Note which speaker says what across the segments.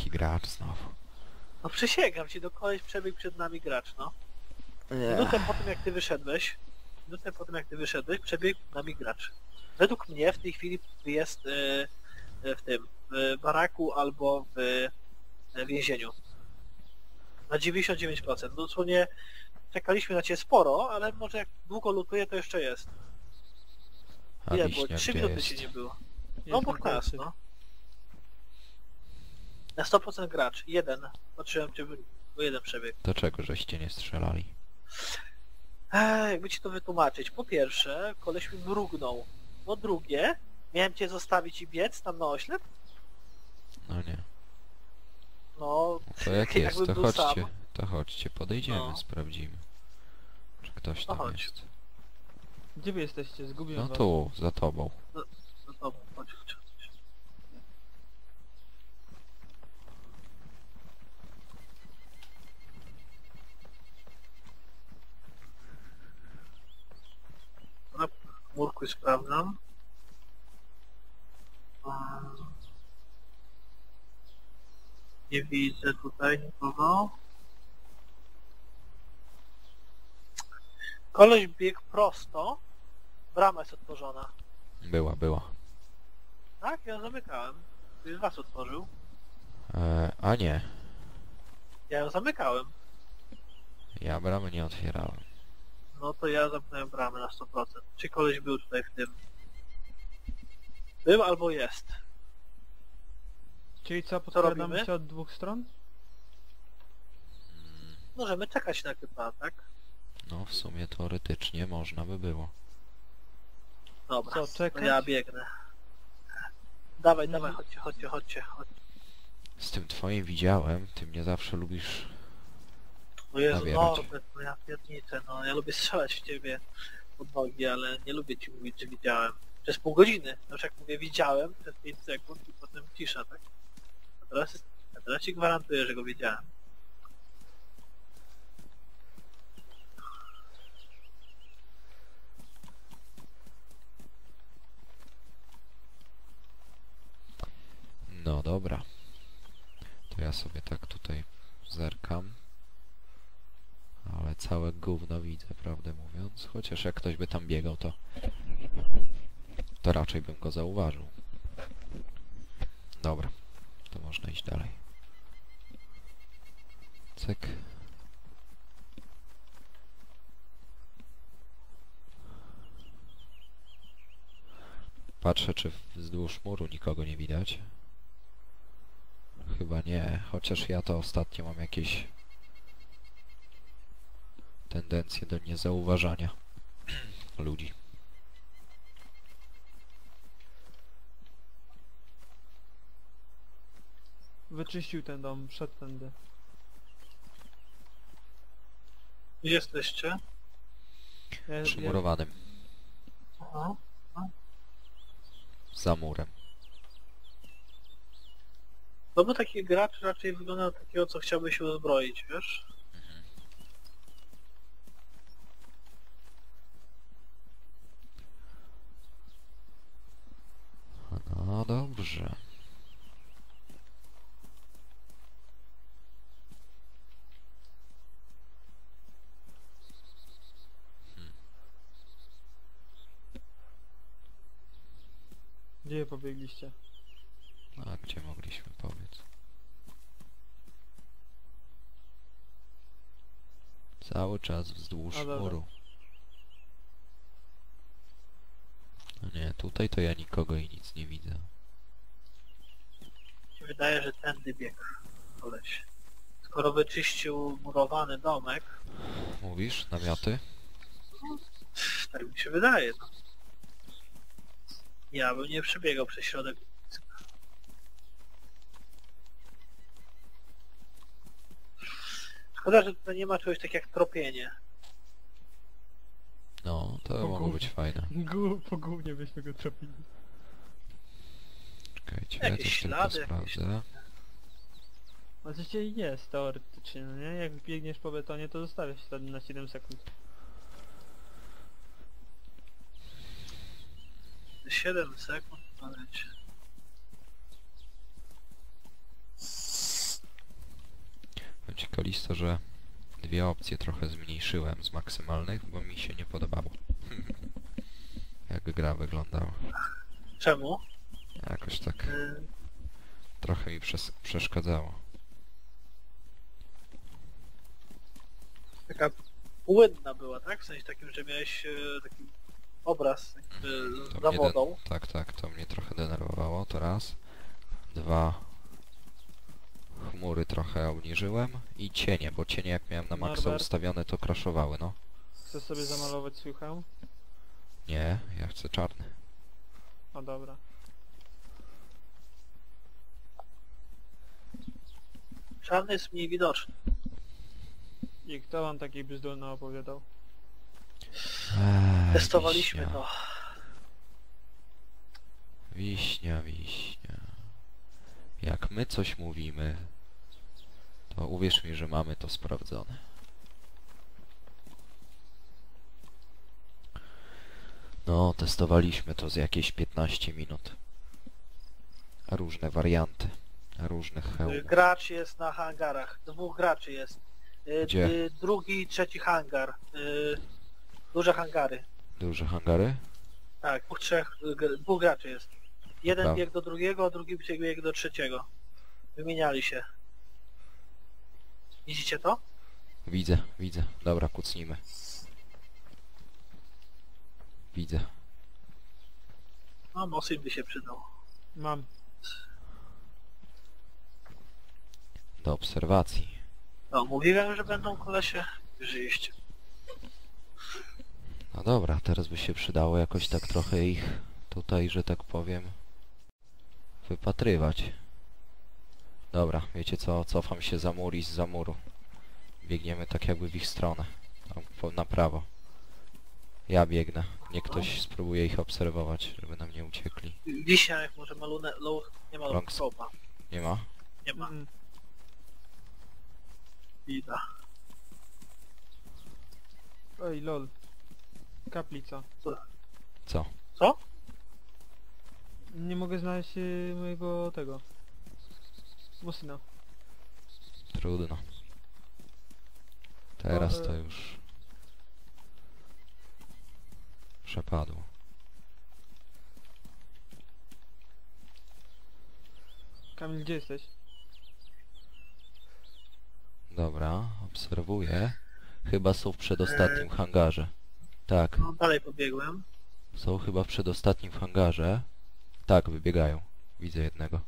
Speaker 1: Jaki gracz znowu.
Speaker 2: No przysięgam ci, do koleś przebiegł przed nami gracz, no.
Speaker 1: Nie.
Speaker 2: Minutę po tym jak ty wyszedłeś, przebiegł przed nami gracz. Według mnie w tej chwili jest w tym, w baraku albo w więzieniu. Na 99%. Dosłownie czekaliśmy na ciebie sporo, ale może jak długo lutuje, to jeszcze jest.
Speaker 1: A
Speaker 2: Ile było?
Speaker 1: wiśnia
Speaker 2: 3
Speaker 1: gdzie
Speaker 2: minuty
Speaker 1: jest?
Speaker 2: cię nie było. No
Speaker 3: Jest
Speaker 2: obok
Speaker 3: na
Speaker 2: nas,
Speaker 3: końcu.
Speaker 2: no. Na 100% gracz. Jeden. Patrzyłem cię, bo jeden przebieg.
Speaker 1: Do czego żeście nie strzelali?
Speaker 2: Jakby ci to wytłumaczyć. Po pierwsze, koleś mi mrugnął. Po drugie, miałem cię zostawić i biec tam na oślep?
Speaker 1: No nie.
Speaker 2: No,
Speaker 1: To jak
Speaker 2: jakbym
Speaker 1: jest, to
Speaker 2: był
Speaker 1: chodźcie.
Speaker 2: sam.
Speaker 1: To chodźcie, podejdziemy,
Speaker 2: No.
Speaker 1: sprawdzimy. Czy ktoś
Speaker 2: No
Speaker 1: tam
Speaker 2: chodź.
Speaker 1: jest.
Speaker 3: Gdzie wy jesteście? Zgubiłem
Speaker 1: No
Speaker 3: was.
Speaker 1: tu, za tobą.
Speaker 2: No to chodź, chodź. Na murku sprawdzam. Nie widzę tutaj nikogo. Koleś biegł prosto. Brama jest otworzona.
Speaker 1: Była.
Speaker 2: Tak? Ja ją zamykałem. Ktoś z was otworzył.
Speaker 1: A nie.
Speaker 2: Ja ją zamykałem.
Speaker 1: Ja bramy nie otwierałem.
Speaker 2: No to ja zamknąłem bramę na 100%. Czy koleś był tutaj w tym? Był albo jest.
Speaker 3: Czyli co, podkradamy
Speaker 2: robimy?
Speaker 3: się od dwóch stron?
Speaker 2: Możemy czekać na typa, tak?
Speaker 1: No w sumie teoretycznie można by było.
Speaker 2: Dobra,
Speaker 3: Co,
Speaker 2: to
Speaker 3: czekać?
Speaker 2: ja biegnę. Dawaj,
Speaker 3: Mhm.
Speaker 2: chodźcie.
Speaker 1: Z tym twoim widziałem, ty mnie zawsze lubisz...
Speaker 2: O Jezu,
Speaker 1: Nabierać.
Speaker 2: Norbert, no ja pierdnicę, no ja lubię strzelać w ciebie pod nogi, ale nie lubię ci mówić, że widziałem. Przez pół godziny. No już jak mówię widziałem, przez 5 sekund i potem cisza, tak? A teraz ci gwarantuję, że go widziałem.
Speaker 1: No dobra. To ja sobie tak tutaj zerkam. Ale całe gówno widzę, prawdę mówiąc. Chociaż jak ktoś by tam biegał, to raczej bym go zauważył. Dobra. To można iść dalej. Cyk. Patrzę, czy wzdłuż muru nikogo nie widać. Chyba nie, chociaż ja to ostatnio mam jakieś tendencje do niezauważania ludzi.
Speaker 3: Wyczyścił ten dom, wszedł tędy.
Speaker 2: Gdzie jesteście?
Speaker 1: Przymurowanym.
Speaker 2: Aha.
Speaker 1: Za murem.
Speaker 2: No bo taki gracz raczej wygląda na takiego, co chciałby się uzbroić, wiesz?
Speaker 1: No dobrze.
Speaker 3: Gdzie pobiegliście?
Speaker 1: A gdzie mogliśmy powiedz? Cały czas wzdłuż
Speaker 3: A, dobra.
Speaker 1: muru. No nie, tutaj to ja nikogo i nic nie widzę.
Speaker 2: Mi się wydaje, że tędy biegł koleś. Skoro wyczyścił murowany domek,
Speaker 1: Mówisz? Namioty?
Speaker 2: tak mi się wydaje, no. Ja bym nie przebiegał przez środek. Szkoda, że tutaj nie ma czegoś takiego jak tropienie.
Speaker 1: No, to
Speaker 3: O
Speaker 1: mogło
Speaker 3: kurde.
Speaker 1: być fajne.
Speaker 3: Po gównie byśmy go tropili.
Speaker 1: Czekajcie, ja
Speaker 2: Jakieś
Speaker 1: też tylko
Speaker 2: ślady, jakieś-
Speaker 1: sprawdzę.
Speaker 3: Oczywiście jest teoretycznie, no nie? Jak biegniesz po betonie, to zostawiasz ślady na 7 sekund.
Speaker 2: 7 sekund, ale
Speaker 1: Kalisto, że dwie opcje trochę zmniejszyłem z maksymalnych, bo mi się nie podobało. Jak gra wyglądała.
Speaker 2: Czemu?
Speaker 1: Jakoś tak
Speaker 2: Y,
Speaker 1: trochę mi przeszkadzało.
Speaker 2: Taka płynna była, tak? W sensie takim, że miałeś taki obraz
Speaker 1: To
Speaker 2: za
Speaker 1: mnie
Speaker 2: wodą.
Speaker 1: tak, to mnie trochę denerwowało, to raz. Dwa, chmury trochę obniżyłem i cienie, bo cienie jak miałem na maksa
Speaker 3: Norbert?
Speaker 1: ustawione, to crashowały, no.
Speaker 3: Chcesz sobie zamalować swój hełm?
Speaker 1: Nie, ja chcę czarny.
Speaker 3: O dobra.
Speaker 2: Czarny jest mniej widoczny.
Speaker 3: I kto wam taki bzdurny opowiadał?
Speaker 2: Testowaliśmy
Speaker 1: wiśnia.
Speaker 2: to.
Speaker 1: Wiśnia, wiśnia. Jak my coś mówimy, to uwierz mi, że mamy to sprawdzone. No, testowaliśmy to z jakieś 15 minut. Różne warianty. Różnych hełmów.
Speaker 2: Gracz jest na hangarach. Dwóch graczy jest.
Speaker 1: Gdzie?
Speaker 2: Drugi, trzeci hangar. Duże hangary.
Speaker 1: Duże hangary?
Speaker 2: Tak, dwóch graczy jest. Jeden
Speaker 1: Dobra.
Speaker 2: biegł do drugiego, a drugi biegł do trzeciego. Wymieniali się. Widzicie to?
Speaker 1: Widzę, widzę. Dobra, kucnijmy. Widzę.
Speaker 2: No, Mosin by się przydał.
Speaker 3: Mam.
Speaker 1: Do obserwacji.
Speaker 2: No, mówiłem, że będą kolesie. Żyjeście.
Speaker 1: No dobra, teraz by się przydało jakoś tak trochę ich tutaj, że tak powiem, wypatrywać. Dobra, wiecie co? Cofam się za mur i zza muru. Biegniemy tak jakby w ich stronę. Tam na prawo. Ja biegnę. Niech ktoś spróbuje ich obserwować, żeby nam nie uciekli.
Speaker 2: Wiśnia, jak może ma nie ma
Speaker 1: Longs.
Speaker 2: scope'a.
Speaker 1: Nie ma?
Speaker 2: Nie ma.
Speaker 3: Mm.
Speaker 2: Bida.
Speaker 3: Oj lol. Kaplica.
Speaker 1: Co?
Speaker 2: Co?
Speaker 3: Nie mogę znaleźć mojego tego. Mosina.
Speaker 1: Trudno. Teraz
Speaker 3: O,
Speaker 1: to już przepadło.
Speaker 3: Kamil, gdzie jesteś?
Speaker 1: Dobra, obserwuję. Chyba są w przedostatnim hangarze. Tak,
Speaker 2: No, dalej pobiegłem.
Speaker 1: są chyba w przedostatnim hangarze. Tak, wybiegają. Widzę jednego.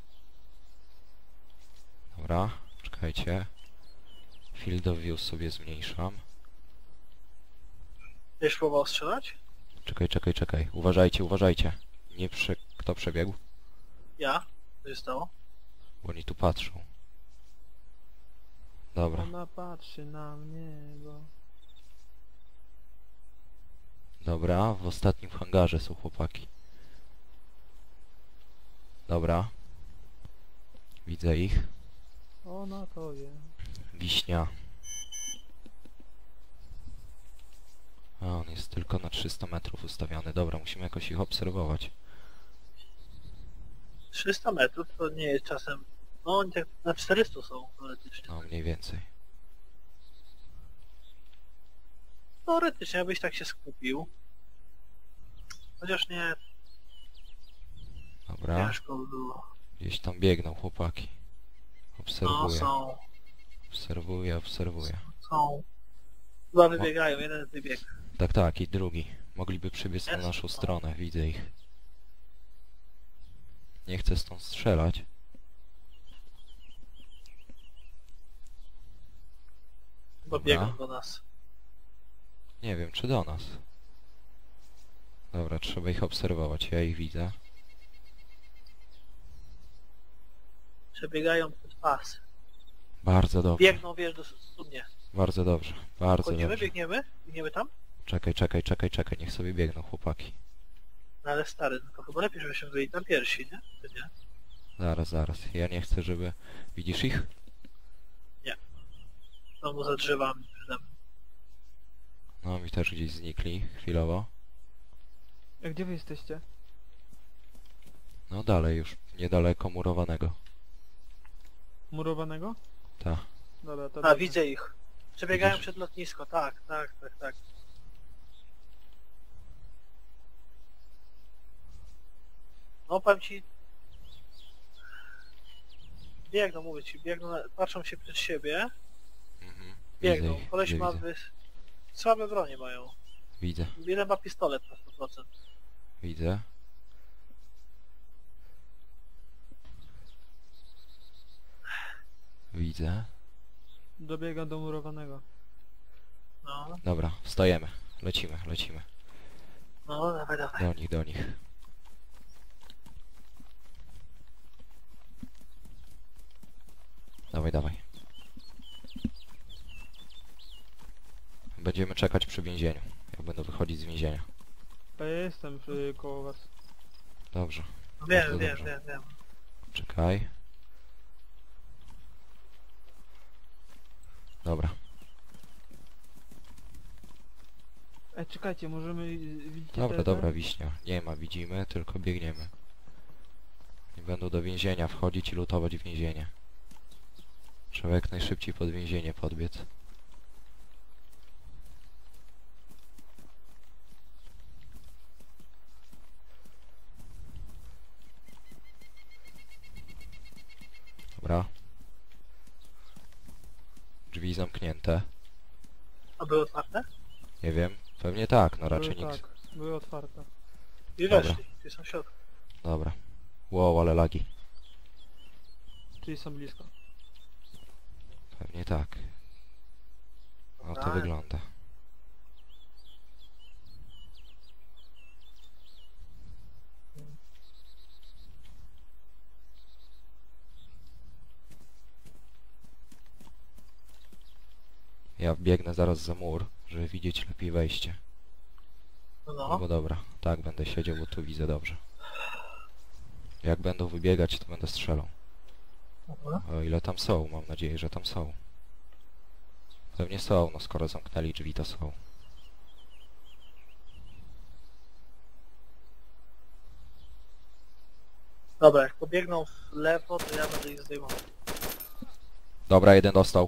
Speaker 1: Dobra, czekajcie. Field of view sobie zmniejszam.
Speaker 2: Będziesz próbował strzelać?
Speaker 1: Czekaj. Uważajcie, uważajcie. Kto przebiegł?
Speaker 2: Ja? Co się stało?
Speaker 1: Bo oni tu patrzą. Dobra,
Speaker 3: Ona patrzy na mnie, bo...
Speaker 1: dobra, w ostatnim hangarze są chłopaki. Dobra. Widzę ich.
Speaker 3: Ona to wie.
Speaker 1: Wiśnia. A, on jest tylko na 300 metrów ustawiony. Dobra, musimy jakoś ich obserwować.
Speaker 2: 300 metrów to nie jest czasem... No oni tak na 400 są teoretycznie.
Speaker 1: No, mniej więcej.
Speaker 2: Teoretycznie, abyś tak się skupił. Chociaż nie,
Speaker 1: Dobra,
Speaker 2: ciężko by było.
Speaker 1: gdzieś tam biegną chłopaki.
Speaker 2: No
Speaker 1: Obserwuję,
Speaker 2: są,
Speaker 1: obserwuję.
Speaker 2: są. Chyba wybiegają, jeden wybieg.
Speaker 1: Tak, i drugi. Mogliby przybiec na
Speaker 2: Jest?
Speaker 1: naszą stronę, widzę ich. Nie chcę stąd strzelać.
Speaker 2: Chyba
Speaker 1: Dobra.
Speaker 2: biegną do nas.
Speaker 1: Nie wiem, czy do nas. Dobra, trzeba ich obserwować, ja ich widzę.
Speaker 2: Przebiegają pod pas.
Speaker 1: Bardzo dobrze,
Speaker 2: Biegną, wiesz, do studnie.
Speaker 1: bardzo dobrze, bardzo
Speaker 2: Chodzimy,
Speaker 1: dobrze.
Speaker 2: biegniemy? Biegniemy tam?
Speaker 1: Czekaj, niech sobie biegną chłopaki.
Speaker 2: No ale stary, no to chyba lepiej, żebyśmy byli tam pierwsi, nie? Czy nie?
Speaker 1: Zaraz. Ja nie chcę, żeby... Widzisz ich?
Speaker 2: Znowu za drzewami przede mną.
Speaker 1: No, mi też gdzieś znikli, chwilowo.
Speaker 3: A gdzie wy jesteście?
Speaker 1: No dalej już, niedaleko murowanego.
Speaker 3: Murowanego?
Speaker 1: Ta.
Speaker 3: Dobra, to
Speaker 2: A,
Speaker 3: dobrze.
Speaker 2: widzę ich. Przebiegają
Speaker 1: Widzisz?
Speaker 2: przed lotnisko, tak, tak, tak, tak. No powiem ci... Biegną, mówię ci, biegną, patrzą się przed siebie,
Speaker 1: Mhm.
Speaker 2: biegną.
Speaker 1: Widzę ich,
Speaker 2: Koleś
Speaker 1: widzę,
Speaker 2: ma
Speaker 1: widzę.
Speaker 2: słabe bronie mają.
Speaker 1: Widzę,
Speaker 2: Jeden ma pistolet na 100%.
Speaker 1: widzę. Widzę.
Speaker 3: Dobiegam do murowanego.
Speaker 2: No,
Speaker 1: Dobra, wstajemy. Lecimy, lecimy.
Speaker 2: no, dawaj, dawaj.
Speaker 1: Do nich, do nich. Dawaj, dawaj. Będziemy czekać przy więzieniu. Ja będę wychodzić z więzienia.
Speaker 3: A ja jestem koło was.
Speaker 1: Dobrze.
Speaker 2: Wiem,
Speaker 1: Bardzo
Speaker 2: wiem,
Speaker 1: dobrze.
Speaker 2: wiem, wiem.
Speaker 1: Czekaj. Dobra.
Speaker 3: Czekajcie, możemy... Widzicie
Speaker 1: Dobra,
Speaker 3: te-
Speaker 1: dobra, wiśnia. Nie ma, widzimy, tylko biegniemy. I będą do więzienia wchodzić i lutować więzienie. Trzeba jak najszybciej pod więzienie podbiec. Dobra. Drzwi zamknięte.
Speaker 2: A były otwarte?
Speaker 1: Nie wiem. Pewnie tak, no raczej
Speaker 3: Były,
Speaker 1: nikt.
Speaker 3: tak, były otwarte.
Speaker 2: I
Speaker 1: Dobra.
Speaker 2: weszli, ci są w środku.
Speaker 1: Dobra. Wow, ale lagi.
Speaker 3: Czyli są blisko.
Speaker 1: Pewnie tak. No to
Speaker 2: Tak.
Speaker 1: wygląda. Ja biegnę zaraz za mur, żeby widzieć lepiej wejście.
Speaker 2: No,
Speaker 1: No
Speaker 2: no.
Speaker 1: bo dobra, tak będę siedział, bo tu widzę dobrze. Jak będą wybiegać, to będę strzelał.
Speaker 2: Mhm.
Speaker 1: O ile tam są, mam nadzieję, że tam są. Pewnie są, no skoro zamknęli drzwi, to są.
Speaker 2: Dobra, jak pobiegną w lewo, to ja będę ich zdejmował.
Speaker 1: Dobra, jeden dostał.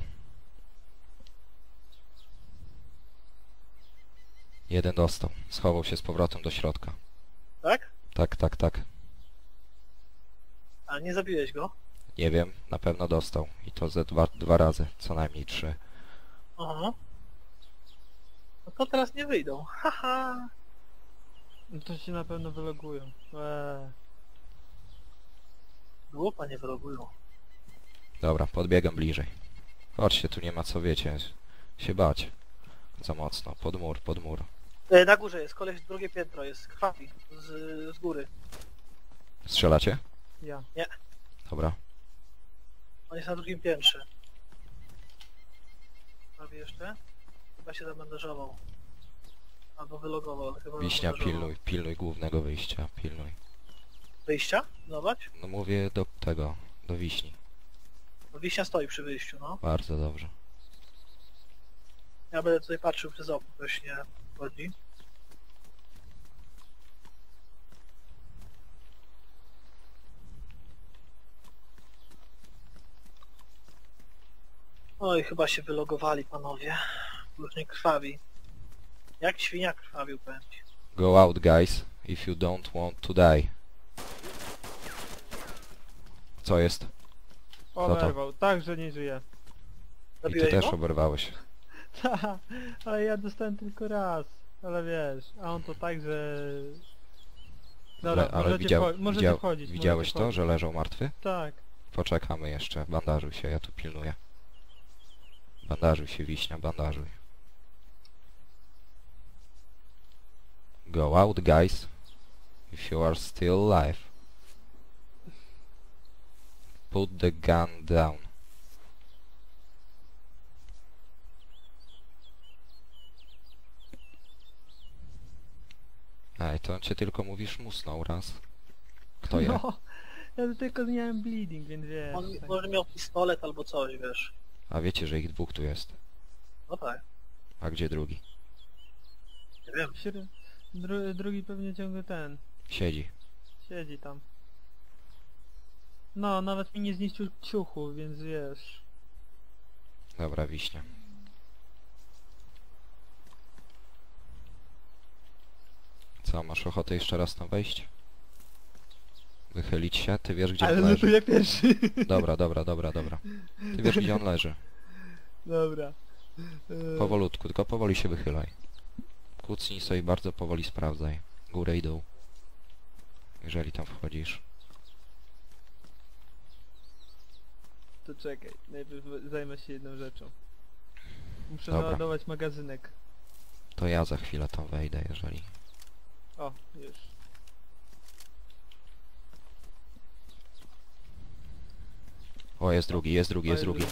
Speaker 1: Jeden dostał. Schował się z powrotem do środka.
Speaker 2: Tak?
Speaker 1: Tak, tak, tak.
Speaker 2: A nie zabiłeś go?
Speaker 1: Nie wiem, na pewno dostał. I to ze dwa razy, co najmniej 3.
Speaker 2: Aha. No to teraz nie wyjdą. Haha.
Speaker 3: No to się na pewno wylogują.
Speaker 2: Głupa nie wylogują.
Speaker 1: Dobra, podbiegam bliżej. Chodźcie, tu nie ma co, wiecie, się bać. Za mocno. Pod mur, pod mur.
Speaker 2: Na górze jest, koleś drugie piętro jest, krwawi z góry.
Speaker 1: Strzelacie?
Speaker 3: Ja.
Speaker 1: Dobra.
Speaker 2: On jest na drugim piętrze. Prawie jeszcze? Chyba się zabandażował. Albo wylogował, ale chyba
Speaker 1: Wiśnia,
Speaker 2: zabandażował.
Speaker 1: pilnuj głównego wyjścia, pilnuj.
Speaker 2: Wyjścia? Zobacz.
Speaker 1: No mówię do tego, do wiśni.
Speaker 2: Bo Wiśnia stoi przy wyjściu, no.
Speaker 1: Bardzo dobrze.
Speaker 2: Ja będę tutaj patrzył przez okno, ktoś nie wchodzi. Oj, chyba się wylogowali panowie. Już nie krwawi. Jak świnia krwawił, powiem ci.
Speaker 1: Go out, guys, if you don't want to die. Co jest? to?
Speaker 3: Oberwał, tak, że nie żyje.
Speaker 1: I ty
Speaker 2: Zabiłeś
Speaker 1: też
Speaker 2: go?
Speaker 1: oberwałeś.
Speaker 3: Ale ja dostałem tylko raz. Ale wiesz, a on to tak, że... Dobra,
Speaker 1: Ale
Speaker 3: możecie, możecie wchodzić.
Speaker 1: widziałeś
Speaker 3: możecie
Speaker 1: to, że
Speaker 3: wchodzić.
Speaker 1: leżał martwy?
Speaker 3: Tak.
Speaker 1: Poczekamy jeszcze. Bandażuj się, ja tu pilnuję. Bandażuj się, Wiśnia, bandażuj. Go out, guys. If you are still alive. Put the gun down. Ej, to cię tylko mówisz musnął raz. Kto je?
Speaker 3: No, ja tylko miałem bleeding, więc wiesz.
Speaker 2: On
Speaker 3: tak.
Speaker 2: może miał pistolet albo coś, wiesz.
Speaker 1: A wiecie, że ich dwóch tu jest.
Speaker 2: No tak,
Speaker 1: A gdzie drugi?
Speaker 2: nie wiem.
Speaker 3: Drugi pewnie ciągle ten.
Speaker 1: Siedzi.
Speaker 3: Siedzi tam. No, nawet mi nie zniszczył ciuchu, więc wiesz.
Speaker 1: Dobra, wiśnia. Co, masz ochotę jeszcze raz tam wejść? Wychylić się? Ty wiesz, gdzie
Speaker 3: Ale
Speaker 1: on leży.
Speaker 3: lutuję pierwszy.
Speaker 1: Dobra. Ty wiesz, gdzie on leży.
Speaker 3: Dobra.
Speaker 1: Powolutku, tylko powoli się wychylaj. Kucnij sobie bardzo powoli sprawdzaj. Górę i dół. Jeżeli tam wchodzisz.
Speaker 3: To czekaj, najpierw zajmę się jedną rzeczą. Muszę
Speaker 1: Dobra.
Speaker 3: naładować magazynek.
Speaker 1: To ja za chwilę tam wejdę, jeżeli...
Speaker 3: O, już.
Speaker 1: O, jest drugi, jest drugi, jest drugi.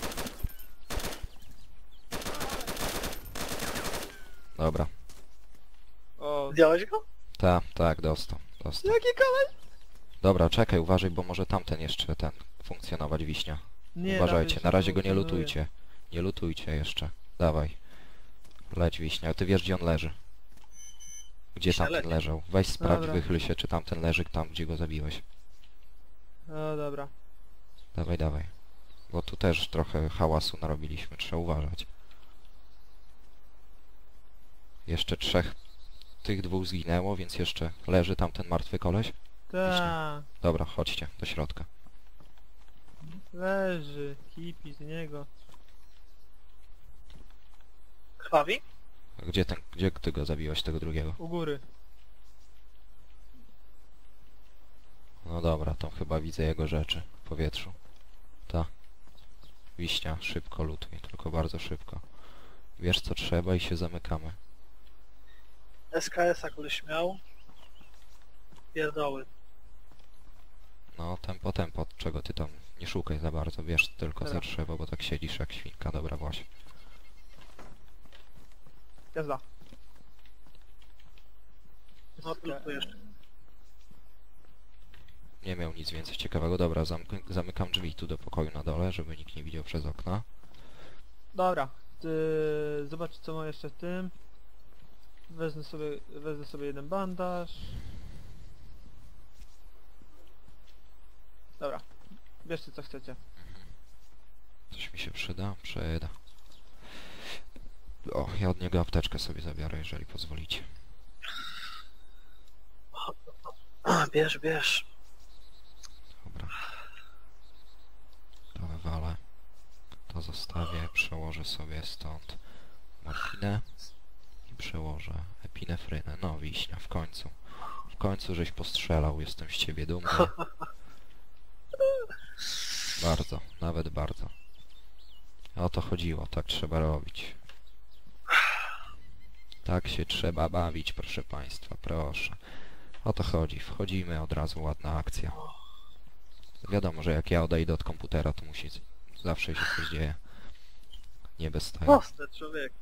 Speaker 1: Dobra.
Speaker 3: O,
Speaker 2: Zdjąłeś go?
Speaker 1: Tak, dostał.
Speaker 3: jaki koleś?
Speaker 1: Dobra, czekaj, uważaj, bo może tamten jeszcze funkcjonować, wiśnia.
Speaker 3: Nie,
Speaker 1: Uważajcie,
Speaker 3: dawaj,
Speaker 1: na razie go nie
Speaker 3: funkcjonuje.
Speaker 1: lutujcie. Nie lutujcie jeszcze. Dawaj. Leć, wiśnia. Ty wiesz, gdzie on leży. Gdzie
Speaker 2: Wiśnia,
Speaker 1: tamten
Speaker 2: leć.
Speaker 1: leżał. Weź sprawdź,
Speaker 3: Dobra.
Speaker 1: wychyl się, czy tamten leży tam, gdzie go zabiłeś.
Speaker 3: O, dobra.
Speaker 1: Dawaj. Bo tu też trochę hałasu narobiliśmy, trzeba uważać. Jeszcze tych dwóch zginęło, więc jeszcze leży tamten martwy koleś.
Speaker 3: Ta,
Speaker 1: Dobra, chodźcie do środka.
Speaker 3: leży, hipi z niego.
Speaker 2: Krwawi?
Speaker 1: Gdzie ty go zabiłeś, tego drugiego?
Speaker 3: U góry.
Speaker 1: No dobra, to chyba widzę jego rzeczy w powietrzu. Ta. Wiśnia, szybko lutuj, tylko bardzo szybko. Wiesz co trzeba i się zamykamy.
Speaker 2: SKS-a koleś miał. Pierdoły.
Speaker 1: No, tempo, czego ty tam nie szukaj za bardzo, wiesz tylko
Speaker 3: Dobra.
Speaker 1: za drzewo, bo tak siedzisz jak świnka, dobra właśnie.
Speaker 3: Jazda.
Speaker 2: No tu jeszcze.
Speaker 1: Nie miał nic więcej ciekawego, dobra, zamykam drzwi tu do pokoju na dole, żeby nikt nie widział przez okna.
Speaker 3: Dobra. Zobacz co ma jeszcze w tym. Wezmę sobie jeden bandaż. Dobra. Bierzcie co chcecie.
Speaker 1: Coś mi się przyda? Przyda. O, ja od niego apteczkę sobie zabiorę, jeżeli pozwolicie.
Speaker 2: Bierz.
Speaker 1: Dobra. To wywalę. To zostawię, przełożę sobie stąd morfinę i przełożę epinefrynę. No, wiśnia, w końcu. W końcu żeś postrzelał, jestem z ciebie dumny. Bardzo, nawet bardzo. O to chodziło, tak trzeba robić. Tak się trzeba bawić, proszę państwa, proszę. O to chodzi, wchodzimy, od razu ładna akcja. Wiadomo, że jak ja odejdę od komputera, to musi zawsze się coś dzieje. Nie bez tego.
Speaker 2: Proste, człowiek.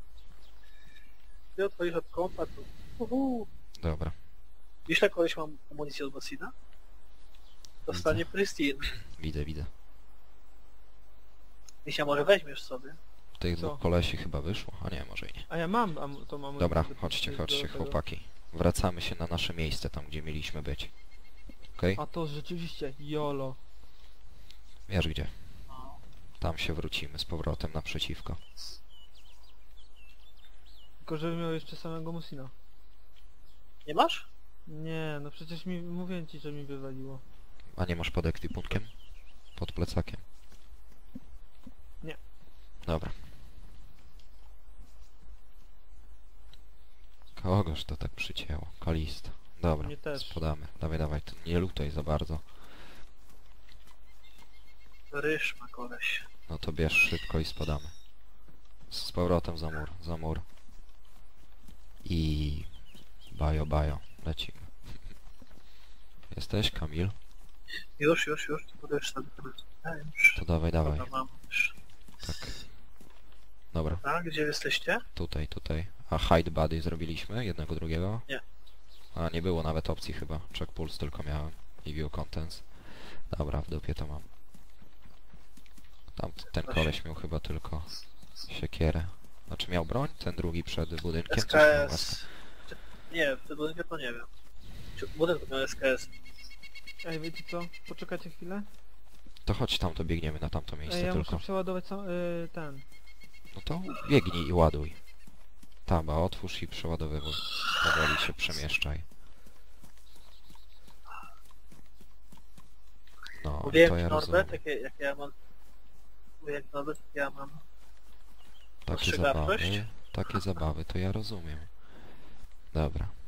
Speaker 2: Ty odchodzisz od kompa, to...
Speaker 1: Dobra.
Speaker 2: Wiesz, jak koleś mam amunicję od Bosina? Dostanie pristine.
Speaker 1: Widzę.
Speaker 2: Misia, może weźmiesz sobie.
Speaker 1: Tych
Speaker 3: Co?
Speaker 1: dwóch kolesi chyba wyszło, a nie, może i nie.
Speaker 3: A ja mam to mam.
Speaker 1: Dobra, chodźcie, chłopaki. Wracamy się na nasze miejsce, tam gdzie mieliśmy być. Okej?
Speaker 3: A to rzeczywiście, jolo.
Speaker 1: Wiesz gdzie? Tam się wrócimy z powrotem naprzeciwko.
Speaker 3: Tylko żeby miał jeszcze samego Musina.
Speaker 2: Nie masz?
Speaker 3: Nie, no przecież mówię ci, że mi wywaliło.
Speaker 1: A nie masz pod ekwipunkiem? Pod plecakiem?
Speaker 3: Nie.
Speaker 1: Dobra. Kogoż to tak przycięło? Kalista. Dobra,
Speaker 3: Mnie też.
Speaker 1: spadamy. Dawaj, to nie lutaj za bardzo.
Speaker 2: Ryż ma koleś.
Speaker 1: No to bierz szybko i spadamy. Z powrotem za mur. I... Bajo, lecimy. Jesteś, Kamil?
Speaker 2: Już. Podajesz sobie już.
Speaker 1: To dawaj.
Speaker 2: Dobra, mam już.
Speaker 1: Tak. Dobra,
Speaker 2: A, gdzie jesteście?
Speaker 1: tutaj. A hide buddy zrobiliśmy? Jednego, drugiego?
Speaker 2: Nie.
Speaker 1: A, nie było nawet opcji chyba. Check pulse tylko miałem. I view contents. Dobra, w dupie to mam. Ten koleś miał chyba tylko siekierę. Znaczy miał broń? Ten drugi przed budynkiem? Coś miał
Speaker 2: SKS. Nie, w tym budynku to nie wiem. Czy w budynku miał SKS.
Speaker 3: Ej, wiecie co? Poczekajcie chwilę.
Speaker 1: To chodź tam, to biegniemy na tamto
Speaker 3: Ej,
Speaker 1: miejsce
Speaker 3: ja
Speaker 1: tylko.
Speaker 3: muszę przeładować ten.
Speaker 1: No to biegnij i ładuj. Taba, otwórz i przeładowywuj. Powoli się przemieszczaj. No,
Speaker 2: Mówiłem
Speaker 1: to
Speaker 2: ci
Speaker 1: ja
Speaker 2: Norbert,
Speaker 1: rozumiem.
Speaker 2: jak ja mam... Mówiłem Norbert, jak ja mam...
Speaker 1: Takie
Speaker 2: ostrzegawczość?
Speaker 1: zabawy, to ja rozumiem. Dobra.